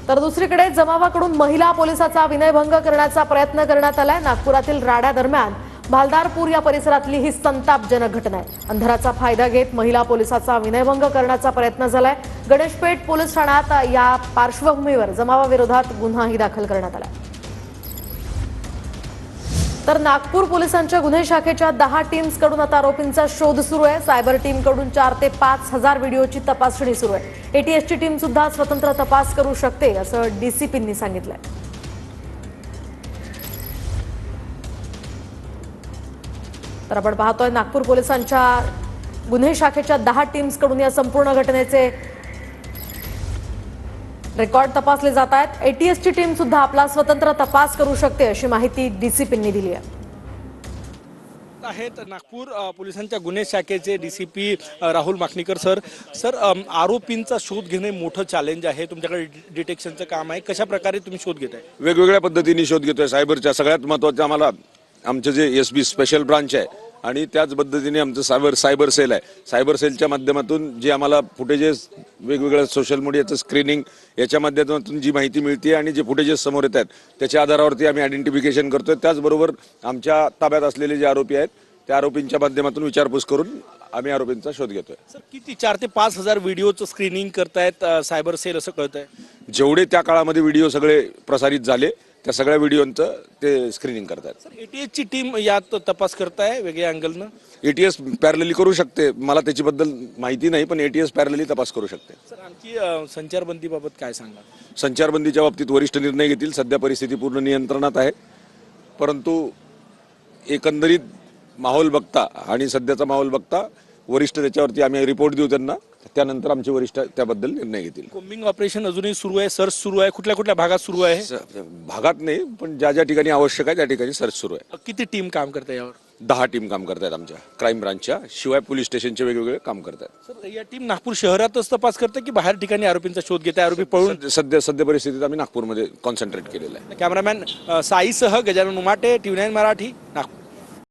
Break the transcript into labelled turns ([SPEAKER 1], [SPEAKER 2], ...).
[SPEAKER 1] तर दुसरीकडे जमावाकडून महिला पोलिसाचा विनयभंग करण्याचा प्रयत्न करण्यात आलाय। नागपुरातील राडा दरम्यान भालदारपूर या परिसरातली ही संतापजनक घटना आहे। अंधाराचा फायदा घेत महिला पोलिसाचा विनयभंग करण्याचा प्रयत्न झालाय। गणेशपेठ पोलीस ठाण्यात या पार्श्वभूमीवर जमावाविरोधात गुन्हाही दाखल करण्यात आलाय। तर नागपूर पोलिसांच्या गुन्हे शाखेच्या 10 टीम्सकडून आता आरोपींचा शोध सुरू आहे। सायबर टीमकडून 4 ते 5 हजार व्हिडिओची तपासणी सुरू आहे। एटीएसची टीम सुद्धा स्वतंत्र तपास करू शकते असं डीसीपींनी सांगितलंय। तर आपण पाहतोय नागपूर पोलिसांच्या गुन्हे शाखेच्या 10 टीम्सकडून या संपूर्ण घटनेचे रेकॉर्ड तपासले जात आहेत। एटीएसची टीम सुद्धा आपला स्वतंत्र तपास करू शकते अशी माहिती डीसीपींनी दिली आहे।
[SPEAKER 2] आहेत नागपूर पोलिसांच्या गुन्हे शाखेचे डीसीपी राहुल माकणीकर सर आरोपींचा शोध घेणे मोठं चॅलेंज आहे। तुमच्याकडे डिटेक्शनचं काम आहे, कशा प्रकारे तुम्ही शोध घेताय?
[SPEAKER 3] वेगवेगळ्या पद्धतीने शोध घेतोय। सायबरच्या सगळ्यात महत्त्वाचं आम्हाला आमचे जे एसबी स्पेशल ब्रांच आहे आणि त्याच पद्धतीने आमचं सायबर सेल आहे। सायबर सेलच्या माध्यमातून जे आम्हाला फुटेजेस वेगवेगळ्या सोशल मीडियाचं स्क्रीनिंग याच्या माध्यमातून जी माहिती मिळते आणि जे फुटेजेस समोर येत आहेत त्याच्या आधारावरती आम्ही आयडेंटिफिकेशन करतोय। त्याचबरोबर आमच्या ताब्यात असलेले जे आरोपी आहेत त्या आरोपींच्या माध्यमातून विचारपूस करून आम्ही आरोपींचा शोध घेतोय।
[SPEAKER 2] सर किती 4 ते 5 हजार व्हिडिओचं स्क्रीनिंग करतायत सायबर सेल असं कळतंय?
[SPEAKER 3] जेवढे त्या काळामध्ये व्हिडिओ सगळे प्रसारित झाले त्या सगळ्या व्हिडिओंचं ते स्क्रीनिंग करतात।
[SPEAKER 2] सर एटीएसची टीम यात तपास करताय वेगळ्या अँगलनं?
[SPEAKER 3] एटीएस पॅरलली करू शकते, मला त्याच्याबद्दल माहिती नाही, पण एटीएस पॅरलली तपास करू शकते।
[SPEAKER 2] सर आणखी संचारबंदीबाबत काय सांगा?
[SPEAKER 3] संचारबंदीच्या बाबतीत वरिष्ठ निर्णय घेतील। सध्या परिस्थिती पूर्ण नियंत्रणात आहे, परंतु एकंदरीत माहोल बघता आणि सध्याचा माहोल बघता वरिष्ठ त्याच्यावरती आम्ही रिपोर्ट देऊ त्यांना, त्यानंतर आमचे वरिष्ठ त्याबद्दल निर्णय घेतील।
[SPEAKER 2] कोम्बिंग ऑपरेशन अजूनही सुरू आहे, सर्च सुरू आहे, कुठल्या कुठल्या भागात सुरू आहे?
[SPEAKER 3] भागात नाही, पण ज्या ज्या ठिकाणी आवश्यक आहे त्या ठिकाणी सर्च सुरू आहे।
[SPEAKER 2] किती टीम काम करते यावर?
[SPEAKER 3] 10 टीम काम करतायत आमच्या क्राईम ब्रांचच्या, शिवाय पोलीस स्टेशनचे वेगवेगळे काम करतात।
[SPEAKER 2] सर या टीम नागपूर शहरातच तपास करते की बाहेर ठिकाणी आरोपींचा शोध घेते? आरोपी पळून
[SPEAKER 3] सध्या परिस्थितीत आम्ही नागपूरमध्ये कॉन्सन्ट्रेट केलेलं आहे।
[SPEAKER 2] कॅमेरामॅन साईसह गजानन उमाटे, TV9 मराठी, नागपूर।